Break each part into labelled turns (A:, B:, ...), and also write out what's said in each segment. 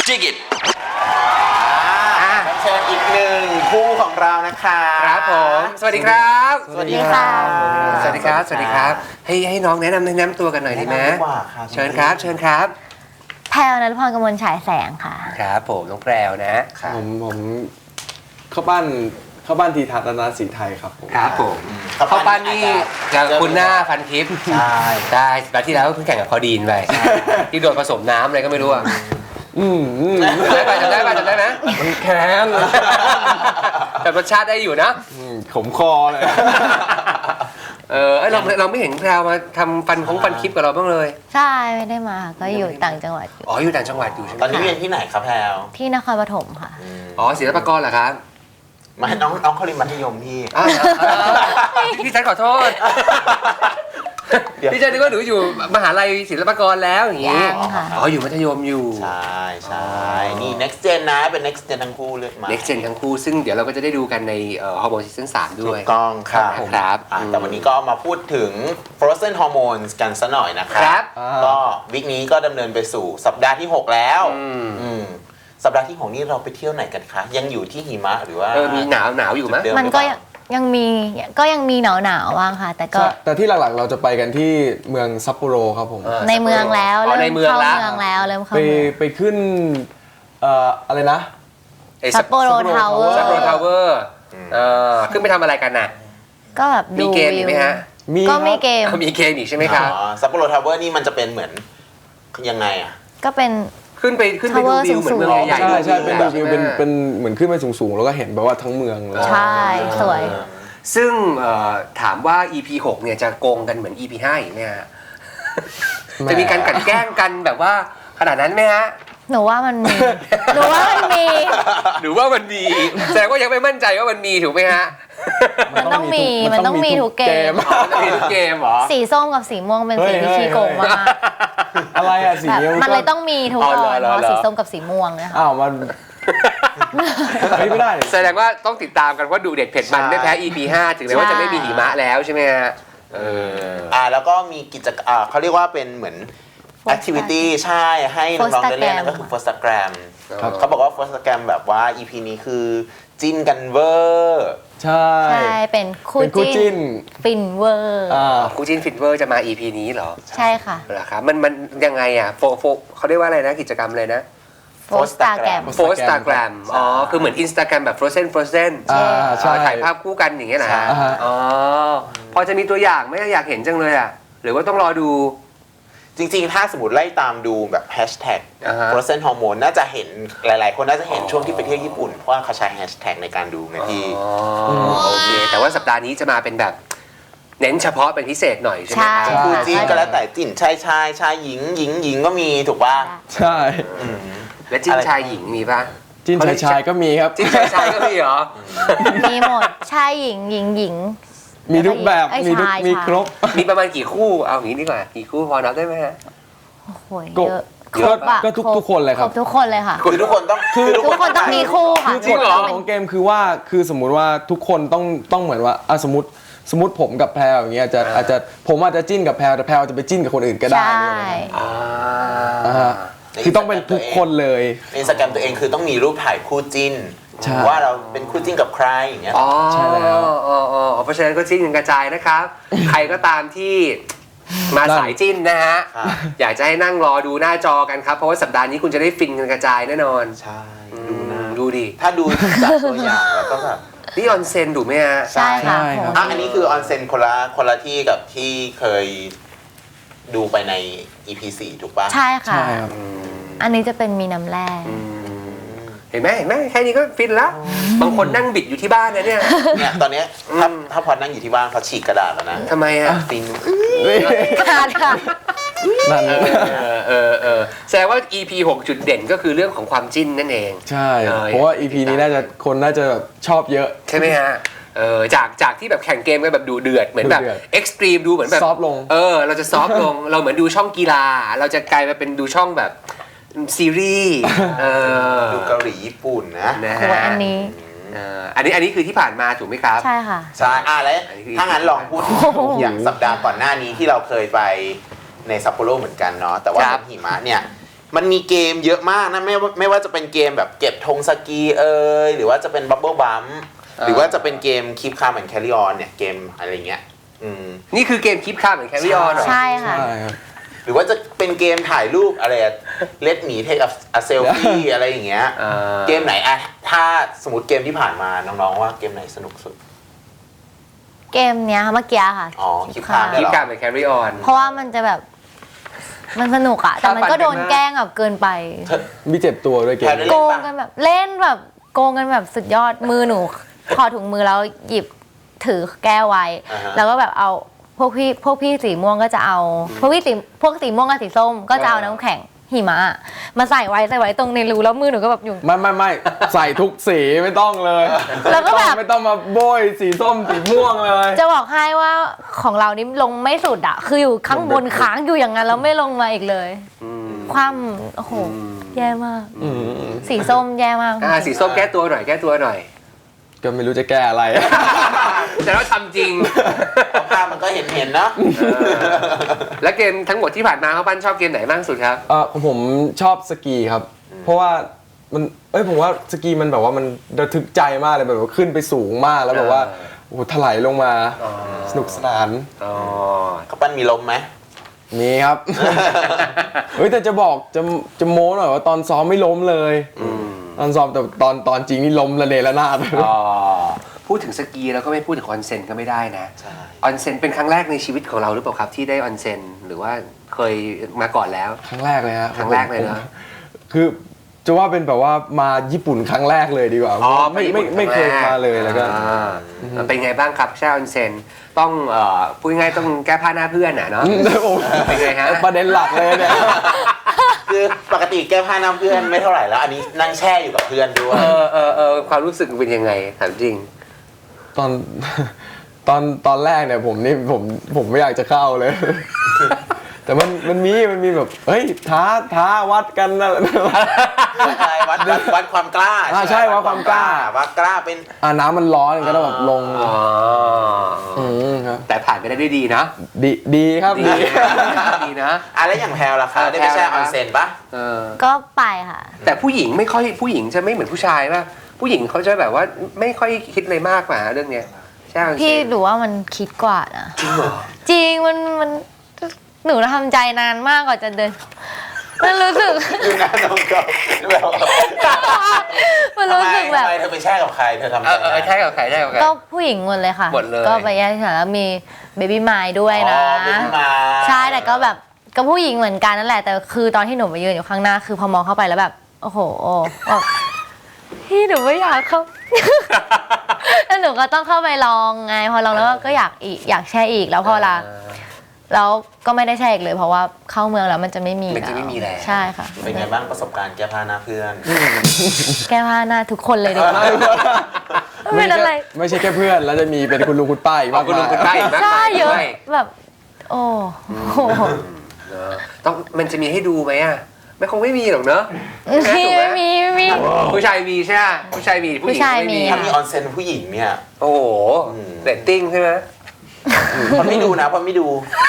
A: Dig it
B: เชิญอีกหนึ่งคู่ของเรานะคะ
C: ครับผมสวัสดีครับ
B: สวัสดีค่ะ
C: สวัสดีครับสวัสดีครับให้น้องแนะนำตัวกันหน่อยดีไหมเชิญครับเชิญครับ
D: แพรวณัฐพรกมลฉายแสงค่ะ
C: ครับผมน้องแพรวนะ
E: ผมเข้าบ้านทีทัศน์นาสีไทยครับผม
C: ครับผมเข้าปั้นนี่จะคุณหน้าพันทิพย์
B: ใช่
C: ได้สัปดาห์ที่แล้วเพิ่งแข่งกับพอดีนไปที่โดนผสมน้ำอะไรก็ไม่รู้อ่ะจำได้ไหม
E: มันแค้น
C: แต่รสชาติได้อยู่นะ
E: ขมคอเลย
C: เราไม่เห็นแพรวมาทำฟันคลิปกับเราบ้างเลย
D: ใช่ไม่ได้มาค่ะก็อยู่ต่างจังหวัดอยู่
C: อ๋ออยู่ต่างจังหวัดอยู่ใช่ไหม
B: ตอนนี้เรียนที่ไหนครับแพลว
D: ที่นครปฐมค่ะ
C: อ๋อศิลปากรเหรอครับ
B: มาน้องเขาเรียนมัธยมพี่
C: พี่ฉันขอโทษ
B: เดี๋ยว
C: พี่ฉันนึกว่าหนูอยู่มหาลัยศิลปากรแล้วอย่างงี้
D: ยังค่ะ
C: อ๋ออยู่มัธยมอยู่
B: ใช่นี่ next gen นะเป็น next gen ทั้งคู่เลยมา
C: Next Gen ทั้งคู่ซึ่งเดี๋ยวเราก็จะได้ดูกันในฮอร์โมนซีซั่น3ด้
B: ถู
C: วย
B: กต้องครับ
C: ครับ
B: แต่วันนี้ก็มาพูดถึง frozen hormones กันซะหน่อยนะค
C: ครั
B: รับ ก็วิกนี้ก็ดำเนินไปสู่สัปดาห์ที่ 6 แล้วสัปดาห์ที่ 6 นี้เราไปเที่ยวไหนกันคะ ยังอยู่ที่หิมะหรือว่า
C: มีหนาวอยู่ไหม
B: จุดเดิ
D: มันก็ยังมีหนาวบ้างค่ะ แต่ก็
E: แต่ที่หลักๆเราจะไปกันที่เมืองซัปโปโรครับผม
D: ในเมืองแล้ว
C: อ๋อ
D: เริ่
C: ใน
D: ม
C: เมือง
D: เข้า
C: แล้ว
D: เมืองแล้วเริ่มเข้า
E: ไป
D: เมือง
E: ไปขึ้นอะไรนะ
D: ซัปโปโรทาวเวอร์
C: ซัปโปโรทาวเวอร์ขึ้นไปทำอะไรกันน่ะ
D: ก็แบบ
C: มี
D: ดู
C: เกม
D: วิ
C: อีก
D: ว
C: ไหมฮะ
D: ก็มี
E: ครับ
D: เกม
C: มีเกมอีกใช่ไหมครับ
B: ซัปโปโรทาวเวอร์นี่มันจะเป็นเหมือนยังไงอ่ะ
D: ก็เป็น
C: ขึ้นไปดู
D: Tower
C: วิวเหมือนเมืองใหญ่ๆ
E: ใช่เป็น
C: แบบ
E: วิวเป็นเหมือนขึ้นไปสูงๆแล้วก็เห็นแบบว่าทั้งเมืองเลย
D: ใช่สวย
C: ซึ่งถามว่า EP 6เนี่ยจะโกงกันเหมือน EP 5อีกไหมฮะจะมีการกลั่นแกล้งกันแบบว่าขนาดนั้นไหมฮะ
D: หนูว่ามันมี หนูว่ามันมี
C: หรือว่ามันมีแสดงว่ายังไม่มั่นใจว่ามันมีถูกไหมฮะ
D: มันต้องมีทุกเกม
C: มันจะมีทุกเกมเหรอ
D: สีส้มกับสีม่วงเป็นสีที่ขี้โกงมาก
E: อะไรอะสี
D: แบบ
E: เงี้ย
D: มันเลยต้องมีทุกตอนเพราะสีส้มกับสีม่วงนะคะ
E: อ้าวมันไม่ได้
C: แสดงว่าต้องติดตามกันว่าดูเด็ดเผ็ดมันไม่แพ้ EP 5 ถึงแม้ว่าจะไม่มีหิมะแล้วใช่ไหมฮะ
B: แล้วก็มีกิจกรรมเขาเรียกว่าเป็นเหมือน activity ใช่ให้น้องๆได้เล่นนั่นก็คือ Instagram เขาบอกว่า Instagram แบบว่า EP นี้คือจิ้นกันเวอร์
E: ใช่
D: ใช่เป็นคู่
E: เป็นคู่จิ้
D: จิ้น
E: น
D: ฟินเวอร์
C: คู่จินฟิตเวอร์จะมา EP นี้เหรอ
D: ใช่ค่ะ
C: เหรอครับมันยังไงอ่ะเขาเรียกว่าอะไรนะกิจกรรมเลยนะ
D: โฟสตาแกรม
C: โฟสตาแกรมอ๋อคือเหมือน Instagram แบบ Frozen
E: ใช่
C: ถ่ายภาพคู่กันอย่างเงี้ยนะฮะ
E: ใช่
C: อ๋อพอจะมีตัวอย่างไหมอยากเห็นจังเลยอ่ะหรือว่าต้องรอดู
B: จริงๆ ถ้าสมมติไล่ตามดูแบบแฮชแท็ก frozen hormone น่าจะเห็นหลายๆ คนน่าจะเห็นช่วงที่ไปเที่ยวญี่ปุ่น เพราะว่าเขาใช้แฮชแท็กในการดูไงพี่
C: โอเคแต่ว่าสัปดาห์นี้จะมาเป็นแบบเน้นเฉพาะเป็นพิเศษหน่อยใช่ไหมครับ
D: ใช่
B: คู่จิ้นก็แล้วแต่จิ้นชายหญิงก็มีถูกป่ะ
E: ใช่
C: และจิ้นชายหญิงมีปะ
E: จิ้นชายก็มีครับ
C: จิ้นชายก็มีเหรอ
D: มีหมดชายหญิงหญิง
E: มีทุกแบบ
D: เอ้ย
E: มีทุก
D: ชาย
E: มีครบ
C: มีประมาณกี่คู่เอาอย่างนี้ดีกว่ากี่คู่พอนับได้ไหมฮะ
D: โอ้โห
E: ก็
D: เยอะ
E: ก็
D: อะ
E: ก็ทุกคนเลยครับ
D: ทุกคนเลยค่ะ
B: คือทุกคนต้อง
D: ทุกคนต้องมีคู่ค่ะ
C: จริงเหรอ
D: ทุกคนต้
E: ของเกมคือว่าคือสมมุติว่าทุกคนต้องเหมือนว่าสมมติผมกับแพรวอย่างเงี้ยอาจจะผมอาจจะจิ้นกับแพรวแต่แพรวจะไปจิ้นกับคนอื่นก็ได้
D: ใช่
E: คือต้องเป็นทุกคนเลย
B: ในอินสตาแกรมตัวเองคือต้องมีรูปถ่ายคู่จิ้น
E: ใช่
B: ว่าเราเป็นคู่จิ้นกับใครอย่างเงี้ย
C: อ๋อ
E: ใช่แล้ว
C: เพราะฉะนั้นก็จิ้นกันกระจายนะครับ ใครก็ตามที่มาสายจิ้นนะฮะ
B: ครับ
C: อยากจะให้นั่งรอดูหน้าจอกันครับ เพราะว่าสัปดาห์นี้คุณจะได้ฟินกันกระจายแน่นอน
B: ใช่ดูนะ
C: ดูดิ
B: ถ้าดูจากตัวอย่างแล้วก็แบบ
C: นี่ออนเซนถูกไหมฮะ
D: ใช่ค่ะ
E: ใช่ครับ
B: อันนี้คือออนเซ็นคนละที่กับที่เคยดูไปใน EP 4 ถูกป่ะ
D: ใช่ค่ะ
E: ใช่ครับ
D: อันนี้จะเป็นมีน้ำแร่
C: เห็นไหมแค่นี้ก็ฟินแล้ว บางคนนั่งบิดอยู่ที่บ้านนะเนี่ย
B: เนี่ยตอนเนี้ยถ้าพอนั่งอยู่ที่บ้านเขาฉีกกระดาษแล้วนะ
C: ทำไมฮะฟิน
D: ขาดค่ะ
E: นั่น
C: แสดงว่า EP 6 จุดเด่นก็คือเรื่องของความจิ้นนั่นเอง
E: ใช่เพราะว่า EP นี้คนน่าจะแบบชอบเยอะ
C: ใช่ไหมฮะจากที่แบบแข่งเกมกันแบบดูเดือดเหมือนแบบ
E: ดูเดือด
C: เอ็กซ์ตรีมดูเหมือนแบบ
E: ซอฟต์ลง
C: เราจะซอฟต์ลง เราเหมือนดูช่องกีฬา เราจะกลายมาเป็นดูช่องแบบซีรีส์
B: ดูเกาหลีญี่ปุ่นนะ
C: นะ
D: โอ้
C: ฮะ
D: ยอันนี้
C: อันนี้คือที่ผ่านมาถูกไหมครับ
D: ใช่ค่ะ
B: ใช่แล้วถ้างั้นลองพูดถึงอย่างสัปดาห์ก่อนหน้านี้ที่เราเคยไปในซัปโปโรเหมือนกันเนาะแต่ว่า
C: ครับ
B: เป็นหิมะเนี่ยมันมีเกมเยอะมากนะไม่ว่าจะเป็นเกมแบบเก็บธงสกีหรือว่าจะเป็นบับเบิลบัมหรือว่าจะเป็นเกม Keep Calm and Carry On เนี่ยเกมอะไรเงี้ย
C: นี่คือเกมKeep Calm and Carry On เหรอ
D: ใช่ค่ะ
E: ใช่ครับ
B: หรือว่าจะเป็นเกมถ่ายรูปอะไรLet me take a selfie อะไรอย่างเงี้ยเกมไหนอะถ้าสมมติเกมที่ผ่านมาน้องๆว่าเกมไหนสนุกสุด
D: เกมเนี้ยค่ะเมื่อกี้ค่ะ
B: อ๋อ Keep Calm เนี่ย
C: Keep
B: เหรอ
C: Calm and Carry On
D: เพราะว่ามันจะแบบมันสนุกอะแต่มันก็โดนแกล้งแบบเกินไป
E: มีเจ็บตัวด้วยเกม
B: แพลวได้
D: โกงกันแบบเล่นแบบโกงกันแบบสุดยอดมือหนูถอดถุงมือแล้วหยิบถือแก้วไว้ แล้วก็แบบเอาพวกพี่สีม่วงก็จะเอาพวกสีม่วงกับสีส้มก็จะเอาน้ำแข็งหิมะมาใส่ไว้ตรงในรูแล้วมือหนูก็แบบอยู่
E: ไม่ใส่ทุกสีไม่ต้องเลย
D: แล้วก็แบบ
E: ไม่ต้องมาโบยสีส้มสีม่วงเลย
D: จะบอกให้ว่าของเรานี่ลงไม่สุดอะคืออยู่ข้างบนค้างอยู่อย่างนั้นแล้วไม่ลงมาอีกเลยความโอ้โหแย่มากสีส้มแย่มาก
C: สีส้มแก้ตัวหน่อย
E: ก็ไม่รู้จะแก้อะไร
C: แต่เราทำจริง
B: ภาพมันก็เห็นเนาะ
C: แล้วเกมทั้งหมดที่ผ่านมาเขาปั้นชอบเกมไหนมากสุดครับ
E: ของผมชอบสกีครับ เพราะว่ามันผมว่าสกีมันแบบว่ามันระทึกใจมากเลยแบบว่าขึ้นไปสูงมากแล้วแบบว่าโอ้โหถลายลงมาสนุกสนาน
B: เขาปั้นมีลมไหม
E: มีครับ เฮ้ยแต่จะบอกจะโม้หน่อยว่าตอนซ้อมไม่ล้มเลยตอนซ้อมแต่ตอนจริงนี่ล้มระเนระนาด
C: พูดถึงสกีแล้วก็ไม่พูดถึงออนเซ็นก็ไม่ได้นะออนเซ็นเป็นครั้งแรกในชีวิตของเราหรือเปล่าครับที่ได้ออนเซ็นหรือว่าเคยมาก่อนแล้ว
E: ครั้งแรกเลยฮะ
C: ครั้งแรกเลยนะ
E: คือจะว่าเป็นแบบว่ามาญี่ปุ่นครั้งแรกเลยดีกว่าไม่เคยมาเลยแล้วก็
C: เป็นไงบ้างครับแช่ออนเซ็นต้องพูดง่ายๆต้องแก้ผ้าหน้าเพื่อนเนาะเป็นไงฮะ
E: ประเด็นหลักเลยเนี่ย
B: คือปกติแก้ผ้าน้ำเพื่อนไม่เท่าไหร่แล้วอันนี้นั่งแช่อยู่กับเพื่อนด้วย
C: ความรู้สึกเป็นยังไงถามจริง
E: ตอนแรกเนี่ยผมไม่อยากจะเข้าเลย แต่มันมีแบบเฮ้ยท้าวัดกันนะ
B: วัดความกล้า
E: ใช่วัดความกล้า
B: วัดกล้าเป็น
E: น้ำมันร้อนก็ต้องแบบลงครับ
C: แต่ผ่านไปได้ด้วยดีนะ
E: ดีครับ
C: ดีนะ
B: แล้วอย่างแพลวล่ะคะได้ไปแช่ออนเซ็นปะ
D: ก็ไปค่ะ
C: แต่ผู้หญิงจะไม่เหมือนผู้ชายป่ะผู้หญิงเขาจะแบบว่าไม่ค่อยคิดอะไรมากกว่าเรื่องเนี้ยใช่
D: พี่หนูว่ามันคิดกว่านะจริงเหรอจริงมันหนูทำใจนานมากกว่าจะเดินมันรู้สึก
B: ดูหน้าน้องก็
D: มันรู้สึกแบบ
B: ทำไมเธอไปแช่กับใครเธอทำ
C: แช่กับใคร
D: ก็ผู้หญิงหมดเลยค่ะก็ไปแยกกันแล้วมีเบบี้มายด้วยนะใช่แต่ก็แบบก็ผู้หญิงเหมือนกันนั่นแหละแต่คือตอนที่หนูไปยืนอยู่ข้างหน้าคือพอมองเข้าไปแล้วแบบโอ้โหพี่หนูไม่อยากเข้าแล้วหนูก็ต้องเข้าไปลองไงพอลองแล้วก็อยากแช่อีกแล้วพอแล้วก็ไม่ได้แช่อีกเลยเพราะว่าเข้าเมืองแล้วมันจะไม่มีแล้วใช่ค่ะ
B: เป็นไงบ้างประสบการณ์แก้ผ้าหน้าเพื่อน
D: แก้ผ้าหน้าทุกคนเลยดีกว่าไม่เป็นอะไร
E: ไม่ใช่แค่เพื่อนแล้วจะมีเป็นคุณลุงคุณป้าอีกมาก
C: คุณลุงคุณป้าอีกมาก
D: ใช่เยอะแบบโอ้
C: ต้องมันจะมีให้ดูไหมอ่ะไม่คงไม่มีหรอกเนอะ
D: ไม่มี
C: ผู้ชายมีใช่ไหมผู้ชายมีผู้หญิงไม่มี
B: ถ้ามีออนเซ็นผู้หญิงเนี่ย
C: โอ้โหเรตติ้งใช่ไหม
B: เพราะไม่ดูนะเพราะไม่ดู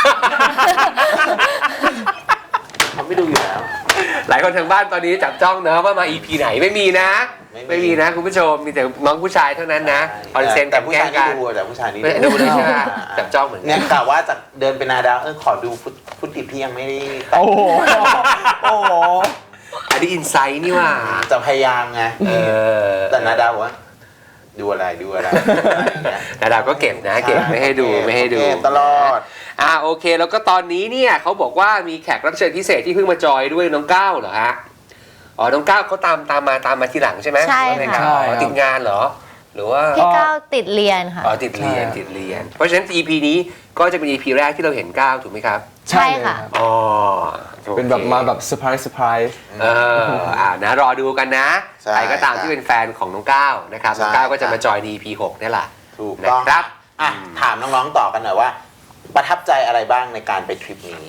B: เขาไม่ดูอยู่แล้ว
C: หลายคนทางบ้านตอนนี้จับจ้องนะว่ามา EP ไหนไม่มีนะไม่มีนะคุณผู้ชมมีแต่น้องผู้ชายเท่านั้นนะออนเซ็น
B: แต่ผู้ชายนี่ดูแต่ผู้ชายนี่
C: ดูเลยใช่ไหมจับจ้องเหมือน
B: เนี่ยกล่าวว่าจะเดินเป็นนาดาวขอดูฟุตติพี่ยังไม่ได้
E: โอ้โห
C: อันนี้อินไซต์นี่ว่า
B: จะพยายามไงแต่นาดาวว่าดูอะไร
C: นาดาวก็เก็บนะเก็บไม่ให้ดู
B: ตลอด
C: โอเคแล้วก็ตอนนี้เนี่ยเขาบอกว่ามีแขกรับเชิญพิเศษที่เพิ่งมาจอยด้วยน้องก้าวเหรอฮะน้องก้าวเขาตามมาทีหลังใช่ไหม
D: ใช่ค่ะ
C: ติดงานเหรอหรือว่า
D: พี่ก้าวติดเรียนค่ะ
C: ติดเรียนเพราะฉะนั้น EP นี้ก็จะเป็น EP แรกที่เราเห็นก้าวถูกไหมครับ
D: ใช่ค่ะ
E: เป็นแบบมาแบบเซอร์ไพรส์
C: นะรอดูกันนะใครก็ตามที่เป็นแฟนของน้องก้าวนะครับน้องก้าวก็จะมาจอยใน EP 6นี่แหละ
B: ถูกต้องครับถามน้องๆต่อกันหน่อยว่าประทับใจอะไรบ้างในการไปทริปนี้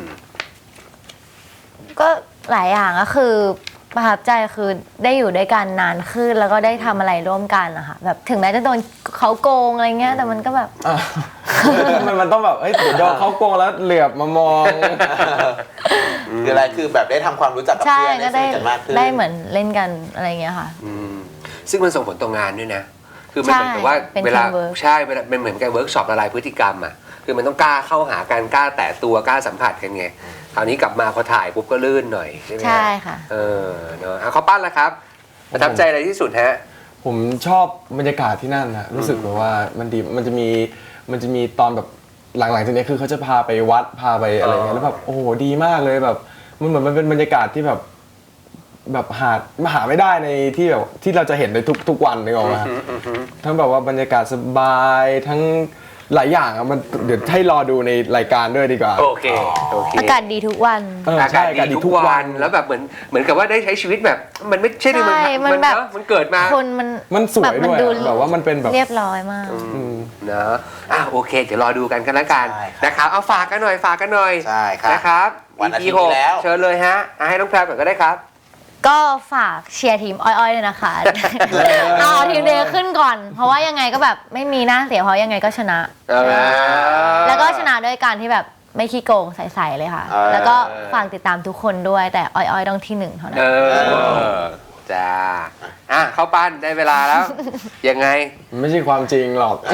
D: ก็หลายอย่างก็คือประทับใจคือได้อยู่ด้วยกันนานขึ้นแล้วก็ได้ทำอะไรร่วมกันนะคะแบบถึงแม้จะโดนเขาโกงอะไรเงี้ยแต่มันก็แบบ
E: มันต้องแบบเดี๋ยวโดนเขาโกงแล้วเหลือบมามอง
B: หรืออะไรคือแบบได้ทำความรู้จักกับ
D: ใช่
B: เพื่อน
D: ก็
B: ได้ส
D: ได้
B: นิทกันมากขึ้น
D: ได้เหมือนเล่นกันอะไรเงี้ยค่ะ
C: ซึ่งมันส่งผลต่องานด้วยนะ คือมันเหมือนกับว่า
D: เป็น
C: เวลา
D: teamwork
C: ใช่เวลาเป็นเหมือนกับเวิร์กช็อปละลายพฤติกรรมอ่ะคือมันต้องกล้าเข้าหากันกล้าแตะตัวกล้าสัมผัสกันไงคราวนี้กลับมาพอถ่ายปุ๊บก็ลื่นหน่อยใช่ไหมฮ
D: ใช่ค่ะ
C: เนอะเขาปั้นแล้วครับประทับใจอะไรที่สุดฮะ
E: ผมชอบบรรยากาศที่นั่นนะรู้สึกแบบว่ามันดีมันจะมีตอนแบบหลังๆจากนี้คือเขาจะพาไปวัดพาไปอะไรเงี้ยแล้วแบบโอ้โหดีมากเลยแบบมันเหมือนมันเป็นบรรยากาศที่แบบหาไม่ได้ในที่แบบที่เราจะเห็นในทุกวันนึกออกไหมครับทั้งแบบว่าบรรยากาศสบายทั้งหลายอย่างอะมันเดี๋ยวให้รอดูในรายการด้วยดีกว่า
C: โอเค
D: อากาศดีทุกวัน
C: อากาศดีทุกวันแล้วแบบเหมือนกับว่าได้ใช้ชีวิตแบบมันไม่ใช่ในเมืองไทย
D: ใช่มันแบบ
C: เนอะมันเกิดมา
D: คน
E: มันสวย
D: มั
E: ด้วย
D: ดู
E: อะแบบว่ามันเป็นแบบ
D: เรียบร้อยมาก
C: นะโอเค เดี๋ยวรอดูกันกันละกัน
B: ใช่ครับ
C: นะครับเอาฝากกันหน่อย
B: ใช่ครับ
C: นะครับ
B: วันอาทิตย์
C: EP
B: นี้แล้ว
C: 6เชิญเลยฮะให้น้องแพรก่อนก็ได้ครับ
D: ก็ฝากเชียร์ทีมอ้อยๆเลยนะคะ เอาทีมเดย์ขึ้นก่อน เพราะว่ายังไงก็แบบไม่มีหน้าเสียเพราะยังไงก็ชนะ แล้วก็ชนะด้วยการที่แบบไม่ขี้โกงใสๆเลยค่ะ แล้วก็ฝากติดตามทุกคนด้วยแต่อ้อยๆต้องที่หนึ่งเท่านั้น
C: จ้าเข้าปั้นได้เวลาแล้ว ยังไง
E: ไม่ใช่ความจริงหรอก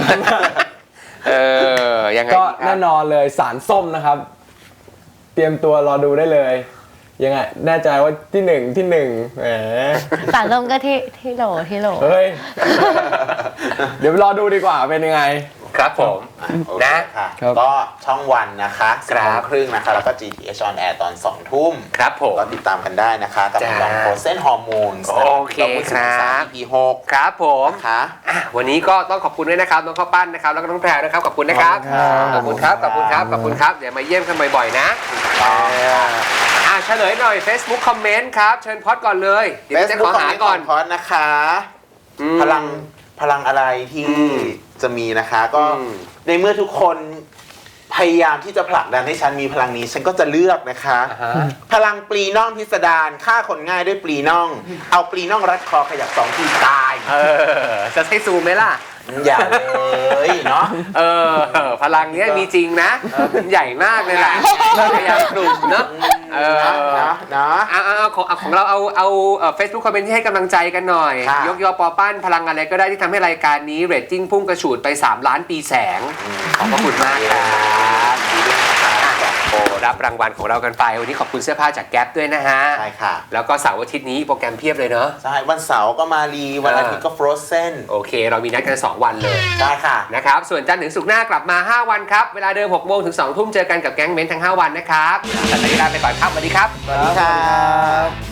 C: ยังไง
E: ก็
C: ดีครับ
E: แน่นอนเลยสารส้มนะครับ เตรียมตัวรอดูได้เลย ยังไงแน่ใจว่าที่หนึ่งแหม
D: สารส้มก็ที่โหล
E: เฮ้ย เดี๋ยวรอดูดีกว่าเป็นยังไง
C: ครับผม นะ
B: ค่ะ
E: ครับ
B: ก็ช่องวันนะคะ
C: ครับ
B: 10:30นะคะ แล้วก็ GTH on air ตอน 2 ทุ่ม
C: ครับผม
B: ก็ติดตามกันได้นะคะกับ
C: จ้า
B: ลองโปรเซนฮอร์โมน
C: โอเคครับ
B: EP 6
C: ครับผม
B: นะคะ
C: วันนี้ก็ต้องขอบคุณด้วยนะครับน้องข้าวปั้นนะครับแล้วก็น้องแพรนะครับขอบคุณนะครับ
E: ขอบคุณครับ
C: ขอบคุณครับเดี๋ยวมาเยี่ยมกันบ่อยๆนะเฉลยหน่อย Facebook คอมเมนต์ครับเชิญพอดก่อนเลยเดี๋ยวจะขอหาก่อน
B: พอดนะคะ พลังอะไรที่จะมีนะคะ ก็ในเมื่อทุกคนพยายามที่จะผลักดันให้ฉันมีพลังนี้ ฉันก็จะเลือกนะคะ พลังปลีน่องพิสดารฆ่าคนง่ายด้วยปลีน่อง เอาปลีน่องรัดคอขยับ2 ทีตาย
C: จะให้ซูมไหมล่ะ
B: อย่าเลยเนาะ
C: พลังเนี้ยมีจริงนะใหญ่มากเลยแหละพยายามกลุ่มเนาะ
B: เนาะ
C: ของเราเอาFacebook คอมเมนต์ที่ให้กำลังใจกันหน่อย
B: ค่ะ
C: ยกยอปอปั้นพลังอะไรก็ได้ที่ทำให้รายการนี้เรตติ้งพุ่งกระฉูดไป3 ล้านปีแสงขอบพระคุณมากครับโอ้รับรางวัลของเรากันไปวันนี้ขอบคุณเสื้อผ้าจากแก๊ปด้วยนะฮะ
B: ใช่ค่ะ
C: แล้วก็เสาร์อาทิตย์นี้โปรแกรมเพียบเลยเนาะ
B: ใช่วันเสาร์ก็มารีวันอาทิตย์ก็ฟรอสเซน
C: โอเค เรามีนัดกัน2 วันเลย
B: ได้ค่ะ
C: นะครับส่วนจันทร์ถึงศุกร์หน้ากลับมา 5 วันครับเวลาเดิม 6 โมงถึง 2 ทุ่มเจอกันกับแก๊งเม้นทั้ง 5 วันนะครับแต่ตอนนี้ลาไปก่อนครับสวัสดีครับ
B: สวัสดีครับ